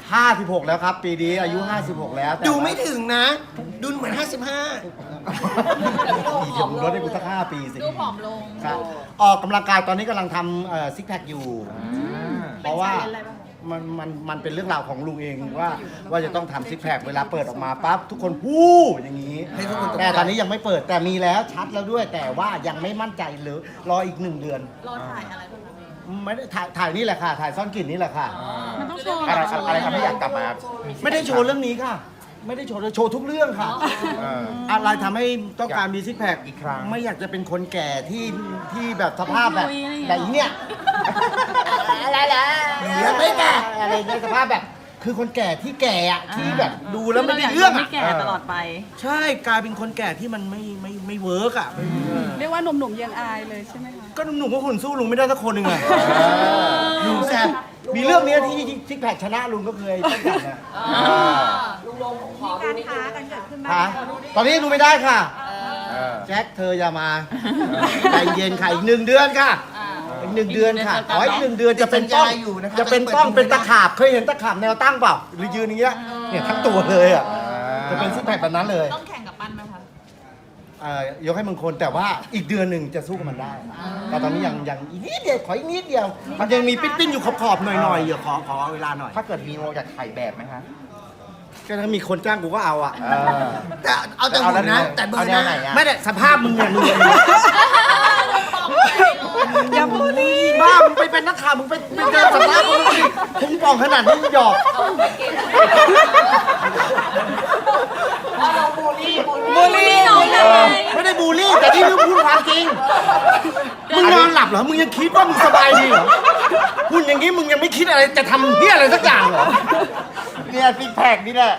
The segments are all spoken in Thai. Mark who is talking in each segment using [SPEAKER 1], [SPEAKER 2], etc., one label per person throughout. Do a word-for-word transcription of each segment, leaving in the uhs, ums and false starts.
[SPEAKER 1] ห้าสิบหกแล้วครับปีนี้อายุห้าสิบหกแล้ว
[SPEAKER 2] ดูไม่ถึงนะดูเหมือนห้าสิบห้า
[SPEAKER 1] อีกเดี๋ยวมึงลดให้กูสักห้าปีสิ
[SPEAKER 3] ดูผอมลง
[SPEAKER 1] ครับออกกำลังกายตอนนี้กำลังทำซิกแพคอยู่เพราะว่ามันมันมันเป็นเรื่องราวของลุงเองว่าว่าจะต้องทำซิกแพคเวลาเปิดออกมาปั๊บทุกคนพูดอย่างนี้แต่ตอนนี้ยังไม่เปิดแต่มีแล้วชัดแล้วด้วยแต่ว่ายังไม่มั่นใจหรือรออีกหนึ่งเดือน
[SPEAKER 3] รอถ่ายอะไรบ้างคะ
[SPEAKER 1] ไม่ได้ถ่ายถ่ายนี่แหละค่ะถ่ายซ่อนกลิ่นนี่แหละค่ะ
[SPEAKER 3] มันต้องโชว์
[SPEAKER 4] อะไรอะไรทำให้อยากกลับมา
[SPEAKER 1] ไม่ได้โชว์เรื่องนี้ค่ะไม่ได้โชว์โชว์ทุกเรื่องค่ะอะไรทำให้ต้องการมีซิกแพค
[SPEAKER 4] อีกครั้ง
[SPEAKER 1] ไม่อยากจะเป็นคนแก่ที่ที่แบบสภาพแบบแบบเนี้ยอะไรล่ะไม่แก่อะไรในสภาพแบบคือคนแก่ที่แก่อะที่แบบดูแล้วไม่ได้เรื่องอะ
[SPEAKER 3] ไม่แก่ตลอดไป
[SPEAKER 1] ใช่กลายเป็นคนแก่ที่มันไม่ไม่ไม่เวิร์กอะ
[SPEAKER 5] เรียกว่าหนุ่มๆยังอายเลยใช่ไหมคะ
[SPEAKER 1] ก็หนุ่มๆก็คนสู้ลุงไม่ได้สักคนหนึ่งอะลุงแซ่บมีเรื่องนี้ที่ซิกแพคชนะลุงก็เคยตั้งแต่นะ
[SPEAKER 3] ลุงลงขอ
[SPEAKER 5] การค้ากันเกิดขึ้นบ้า
[SPEAKER 1] ฮะตอนนี้ดูไม่ได้ค่ะแจ็คเธออย่ามาใจเย็นค่ะอีกหนึ่งเดือนค่ะอีกหนึ่งเดือนค่ะขออีกหนึ่งเดือนจะเป็นป้องจะเป็นป้องเป็นตะขาบเคยเห็นตะขาบแนวตั้งเปล่าหรือยืนอย่างเงี้ยเนี่ยทั้งตัวเลยอ่ะจะเป็นซิกแพคแบบนั้นเลย
[SPEAKER 3] ต้องแข่งกับปั้นไหมคะ
[SPEAKER 1] ยกให้มึงคนแต่ว่าอีกเดือนหนึ่งจะสู้กับมันได้แต่ตอนนี้ยังยังอีกนิดเดียวขออีกนิดเดียวมันยังมีปิ้นๆอยู่ขอบๆหน่อยๆเดี๋ยวขอขอเวลาหน่อย
[SPEAKER 4] ถ้าเกิดมีโมอยากถ่ายแบบไหมคะ
[SPEAKER 1] ก็ถ้ามีคนจ้างกูก็เอาอ่ะ
[SPEAKER 2] แต่เอาแต่หุ่นนะแต่เบอร์หน้า
[SPEAKER 1] ไม่ได้สภาพมึงเนี่ยมึง
[SPEAKER 5] อย่าพูดดิ
[SPEAKER 1] บ้ามึงไปเป็นนักข่าวมึงไปไปเจอสภาพมึงดิพุงป่องขนาดนี้มึงหยอก
[SPEAKER 5] บูลลี่น้องเลย
[SPEAKER 1] ไม่ได้บูลลี่แต่นี่คือพูดความจริงมึงนอนหลับเหรอมึงยังคิดว่ามึงสบายดีเหรอพูดอย่างนี้มึงยังไม่คิดอะไรจะทำเนี่ยอะไรสักอย่างเหรอ
[SPEAKER 4] เนี่ยซิกแพคนี่แหละ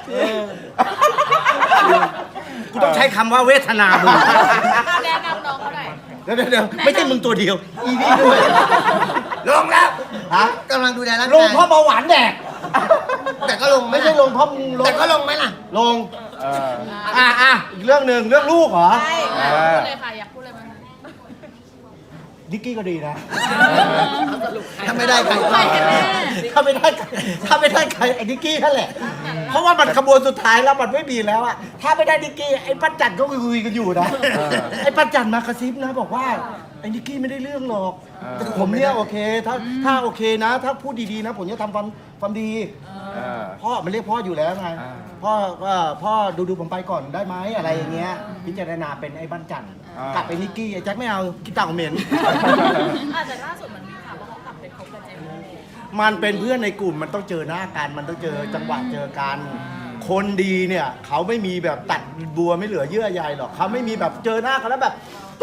[SPEAKER 1] กูต้องใช้คำว่าเวทนามึง
[SPEAKER 3] แนะนำน้องเขาหน่อย
[SPEAKER 1] เดี๋ยวเดี๋ยวไม่ใช่มึงตัวเดียวอีนี่ด้วย
[SPEAKER 2] ลงแล้ว
[SPEAKER 1] ฮะ
[SPEAKER 2] กำลังดูแลร่างกาย
[SPEAKER 1] ลงเพราะเบาหวานแดก
[SPEAKER 2] แต่ก็ลง
[SPEAKER 1] ไม่ใช่ลงเพราะมึงลง
[SPEAKER 2] แต่ก็ลงไหมล่ะ
[SPEAKER 1] ลงอ่าอ่ะอีกเรื่องหนึ่งเรื่องลูกเหรอ
[SPEAKER 3] ใช่พูดเลยค่ะอยากพูดเลยไหม
[SPEAKER 1] ดิกกี้ก็ดีนะ
[SPEAKER 2] ถ้าไม่ได้ใคร
[SPEAKER 1] ถ้าไม่ได้ถ้าไม่ได้ใครไอ้ดิกกี้นั่นแหละเพราะว่ามันขบวนสุดท้ายแล้วมันไม่มีแล้วอะถ้าไม่ได้ดิกกี้ไอ้ปั้นจันก็คุยกันอยู่นะไอ้ปั้นจันมากระซิบนะบอกว่าไอ้ดิกกี้ไม่ได้เรื่องหรอกผมเนี่ยโอเคถ้าถ้าโอเคนะถ้าพูดดีๆนะผมจะทำความความดีพ่อมันเรียกพ่ออยู่แล้วไงพ่อก็พ่อดูดูผมไปก่อนได้ไหมอะไรอย่างเงี้ยพิจารณาเป็นไอ้ปั้นจันกลับไปนิกกี้ไอ้แจ็คไม่เอากินเต่าเหม็น
[SPEAKER 3] อาจจะล่าสุดมันมีข่าวว่าเขากลับไปคบกับเจมส์
[SPEAKER 1] มันเป็นเพื่อนในกลุ่มมันต้องเจอหน้ากันมันต้องเจอจังหวะเจอกันคนดีเนี่ยเขาไม่มีแบบตัดบัวไม่เหลือเยื่อใยหรอกเขาไม่มีแบบเจอหน้ากันแล้วแบบ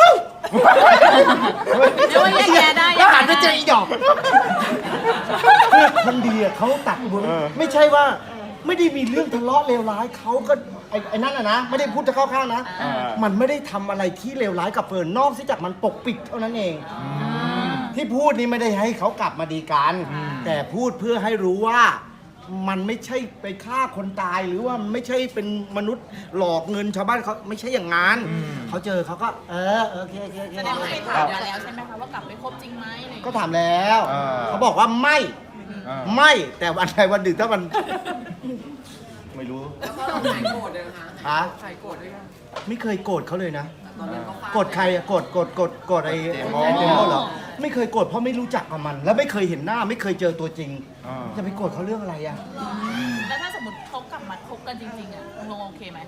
[SPEAKER 3] เดี๋ยวแยกแยะได้
[SPEAKER 1] แล้วหันไปเจออีดอกคือคนดีอ่ะเขาตัดบัวไม่ใช่ว่าไม่ได้มีเรื่องทะเลาะเลวร้ายเขาก็ไอ้ไอ้นั่นนะนะไม่ได้พูดจะเข้าข้างนะมันไม่ได้ทำอะไรที่เลวร้ายกับเฟิร์นนอกจากมันปกปิดเท่านั้นเองที่พูดนี้ไม่ได้ให้เขากลับมาดีกันแต่พูดเพื่อให้รู้ว่ามันไม่ใช่ไปฆ่าคนตายหรือว่าไม่ใช่เป็นมนุษย์หลอกเงินชาวบ้านเขาไม่ใช่อย่างนั้นเขาเจอเขาก็เออโอเคโอเค
[SPEAKER 3] แสดงว่าไปถามมาแล้วใช่ไหมคะว่ากลับไปคบจริงไหม
[SPEAKER 1] ก็ถามแล้วเขาบอกว่าไม่ไม่แต่วันใดวันหนึ่งถ้ามันไม่รู้ใครโกรธเลยคะฮะใครโกรธด้วยกันไม่เคยโกรธเขาเลยนะโกรธใครอะโกรธโกรธโกรธโกรธไอ้เจมส์เหรอไม่เคยโกรธเพราะไม่รู้จักกับมัน แล้วไม่เคยเห็นหน้าไม่เคยเจอตัวจริงจะไปโกรธเขาเรื่องอะไรอะ
[SPEAKER 3] แล้วถ้าสมมติเขากลับมาคบกันจริงๆอะลงโอเคไหม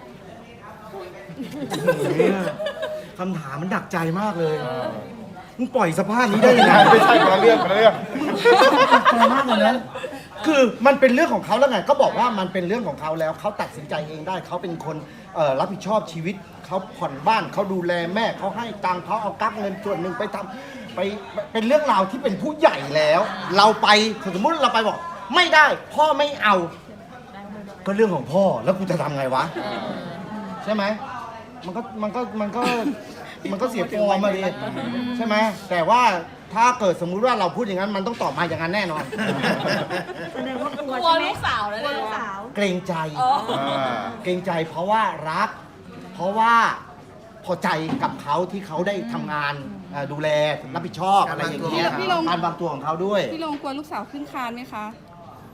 [SPEAKER 1] คำถามมันดักใจมากเลยมึงปล่อยสภาพนี้ได้ยังไง
[SPEAKER 4] ไม่ใช่คนละเรื่องคนละเรื่อง
[SPEAKER 1] ใจมากเลยนะคือมันเป็นเรื่องของเขาแล้วไงก็บอกว่ามันเป็นเรื่องของเขาแล้วเขาตัดสินใจเองได้เขาเป็นคนรับผิดชอบชีวิตเขาผ่อนบ้านเขาดูแลแม่เขาให้ตังค์เขาเอากักเงินส่วนหนึ่งไปทำไปเป็นเรื่องราวที่เป็นผู้ใหญ่แล้ว เราไปสมมติเราไปบอกไม่ได้พ่อไม่เอาก็เรื่องของพ่อแล้วกูจะทำไงวะใช่ไหมมันก็มันก็มันก็มันก็เสียฟอร์มมาดิใช่ไหมแต่ว่าถ้าเกิดสมมุติว่าเราพูดอย่างนั้นมันต้องตอบมาอย่างนั้นแน่นอน
[SPEAKER 5] แสดงว่ากลัว
[SPEAKER 3] กลัวลูกสาวแล้วลูกสาว
[SPEAKER 1] เกรงใจเกรงใจเพราะว่ารักเพราะว่าพอใจกับเขาที่เขาได้ทำงานดูแลรับผิดชอบอะไรอย่างเงี้ยการวางตัวของเขาด้วย
[SPEAKER 5] พี่ลงกลัวลูกสาวขึ้นคานไหมคะ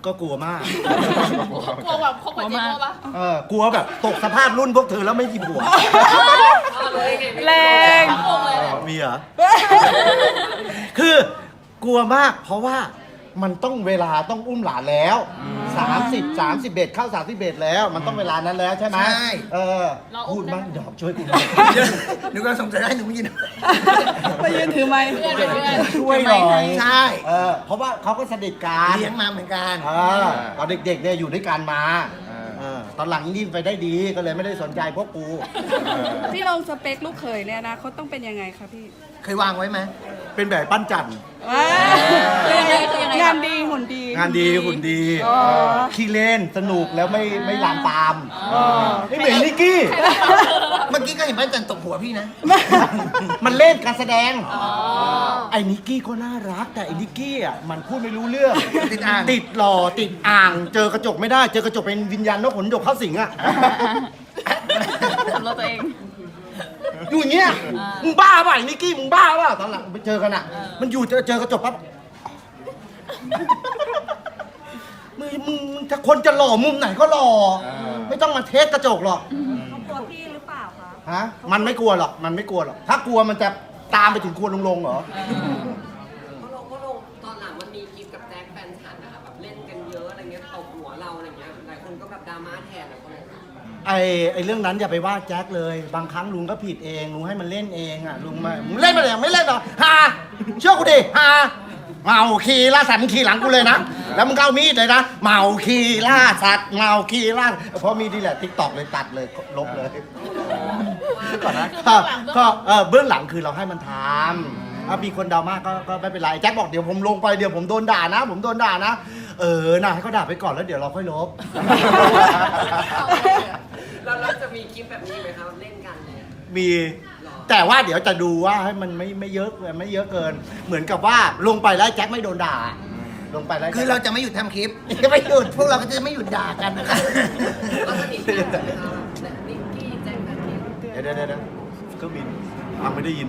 [SPEAKER 1] ก็กลัวมาก
[SPEAKER 3] กลัวแบบคบกับเจโม่ปะ
[SPEAKER 1] เออกลัวแบบตกสภาพรุ่นพวกเธอแล้วไม่มีผัว
[SPEAKER 5] แรง
[SPEAKER 3] ทั้งวงเลย
[SPEAKER 1] มีเหรอ คือกลัวมากเพราะว่ามันต้องเวลาต้องอุ้มหลานแล้วสามสิบ สามสิบเอ็ดเข้าสามสิบเอ็ดแล้ว มันต้องเวลานั้นแล้วใช่ไหม
[SPEAKER 2] ใช่
[SPEAKER 1] เออพูดบ้างดอกช่วยกูหน่อย
[SPEAKER 2] หนูก็สงสัยได้หนูไม่ยิน
[SPEAKER 5] ไปยืนถือไม้
[SPEAKER 3] เพื่อนเป็นเพื่อน
[SPEAKER 1] ช่วยหน่อย
[SPEAKER 2] ใช่
[SPEAKER 1] เออเพราะว่าเขาก็สนิทกัน
[SPEAKER 2] เลี้ยงมาเหมือนกัน
[SPEAKER 1] เออตอนเด็กๆเนี่ยอยู่ด้วยกันมาเออตอนหลังนี่ไปได้ดีก็เลยไม่ได้สนใจพวกกู
[SPEAKER 5] พี่ลงสเปคลูกเขยเนี่ยนะเขาต้องเป็นยังไงคะพี่
[SPEAKER 2] เคยวางไว้ไหม
[SPEAKER 1] เป็นแบบปั้นจันทร์
[SPEAKER 5] ว้างานดีหุ่นดี
[SPEAKER 1] งานดีหุ่นดี
[SPEAKER 5] อ๋อ
[SPEAKER 1] ขี้เล่นสนุกแล้วไม่ไม่ลามปามไม่เหมือนนิกกี้
[SPEAKER 2] เมื่อกี้ก็เห็นป้าจันตกหัวพี่นะ
[SPEAKER 1] มันเล่นการแสดง ไอ้นิกกี้ก็น่ารักแต่ไอ้นิกกี้อ่ะมันพูดไม่รู้เรื่อง
[SPEAKER 2] ติดอ่าง
[SPEAKER 1] ติดหล่อติดอ่าง เจอกระจกไม่ได้ เจอกระจกเป็นวิญญาณนกขนดกเข้าสิงอ่ะ
[SPEAKER 3] สำรวจตัวเอง
[SPEAKER 1] อยู่อย่างเงี้ยมึงบ้าป่ะไอ้นิกกี้มึงบ้าป่ะตอนหลังไปเจอกันอ่ะ มันอยู่เจอเจอกระจกปั๊บมึงมึงมึงถ้าคนจะหล่อมุมไหนก็หล่อไม่ต้องมาเทสกระจกหรอก
[SPEAKER 5] กลัวพี่หรือเปล่าคะ
[SPEAKER 1] ฮะมันไม่กลัวหรอกมันไม่กลัวหรอกถ้ากลัวมันจะตามไปถึงครัวลงลงเหรอ
[SPEAKER 6] เพราะเราก็ลงตอนหลังมันมีคลิปกับแจ็คแฟนฉันนะคะแบบเล่นกันเยอะอะไรเงี้ยตบหัวเราอะไรเงี้ยหลายคนก็แบบดราม่าแทนอะคนนั้น
[SPEAKER 1] ไอ้ไอ้เรื่องนั้นอย่าไปว่าแจ็คเลย บางครั้งลุงก็ผิดเองลุงให้มันเล่นเองอ่ะลุงมามึงเล่นมาเลยไม่เล่นหรอฮาเชื่อกูดิฮาเมาขี่ล่าสัตว์มึงขี่หลังกูเลยนะแล้วมึงก็เอามีดเลยนะเมาขี่ล่าสัตว์เมาขี่ล่าเพราะมีดีแหละทิกตอกเลยตัดเลยลบเลยก่อนนะก็ก็เออเบื้องหลังคือเราให้มันทำถ้ามีคนดราม่าก็ก็ไม่เป็นไรแจ็คบอกเดี๋ยวผมลงไปเดี๋ยวผมโดนด่านะ ผมโดนด่านะ เออน่ะให้เขาด่าไปก่อนแล้วเดี๋ยวเราค่อยลบ
[SPEAKER 6] แล้วเราจะมีคลิปแบบนี้ไหมคะเล่นกันเนี่ย
[SPEAKER 1] มีแต่ว่าเดี๋ยวจะดูว่าให้มันไม่ไม่เยอะไม่เยอะเกิน เหมือนกับว่าลงไปแล้วแจ็คไม่โดนด่า ลงไปแล้ว
[SPEAKER 2] คือเราจะไม่หยุดทำคลิปจะไม่หยุดพวกเราก็จะไม่หยุดด่ากันนะคะ
[SPEAKER 6] ก็สนิทกันใช่ไหมคะแบบนิกกี้แจ็คแฟนฉัน
[SPEAKER 1] เดี๋ยวเดี๋ยวเดี๋ยวเครื่องบินฟังไม่ได้ยิน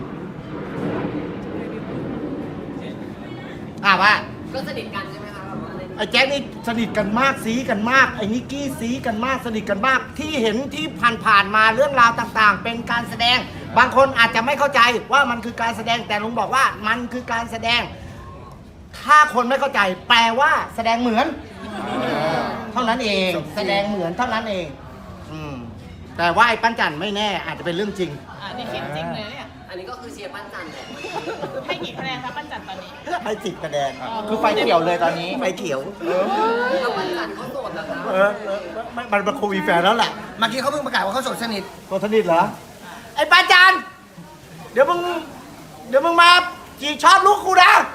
[SPEAKER 1] อ่ะว่า
[SPEAKER 6] ก็สนิทกันใช่ไหมคะแบบว่าเล่น
[SPEAKER 1] ไอ้แจ็คนี่สนิทกันมากซีกันมากไอ้นิกกี้ซีกันมากสนิทกันมากที่เห็นที่ผ่านๆมาเรื่องราวต่างๆ เป็นการแสดง บางคนอาจจะไม่เข้าใจว่ามันคือการแสดงแต่ลุงบอกว่ามันคือการแสดง ถ้าคนไม่เข้าใจ แปลว่าแสดงเหมือน เท่านั้นเอง แสดงเหมือนเท่านั้นเองอืมแต่ว่าไอ้ปั้นจันไม่แน่อาจจะเป็นเรื่องจริง
[SPEAKER 3] อ่านี่คิดจริงเลยเนี่ย
[SPEAKER 6] อันนี้ก็คือเชียร์ปั้นจันแหละ
[SPEAKER 3] ให้กี่คะแนนคะปั้นจันตอนนี้
[SPEAKER 1] ให้สิบคะแนน
[SPEAKER 4] คือไฟเขียวเลยตอนนี้
[SPEAKER 1] ไฟเขียว
[SPEAKER 6] แล้วปั้นจันเขาโสดเหรอคะ
[SPEAKER 1] เออเออไม่มันเป็นโควิดแฟนแล้วแหละ
[SPEAKER 2] เมื่อกี้เขาเพิ่งประกาศว่าเขาโสดสนิท
[SPEAKER 1] ตัวสนิทเหรอ ไอ้ปั้นจันเดี๋ยวมึง เดี๋ยวมึงมาจีชอบลูกกูนะ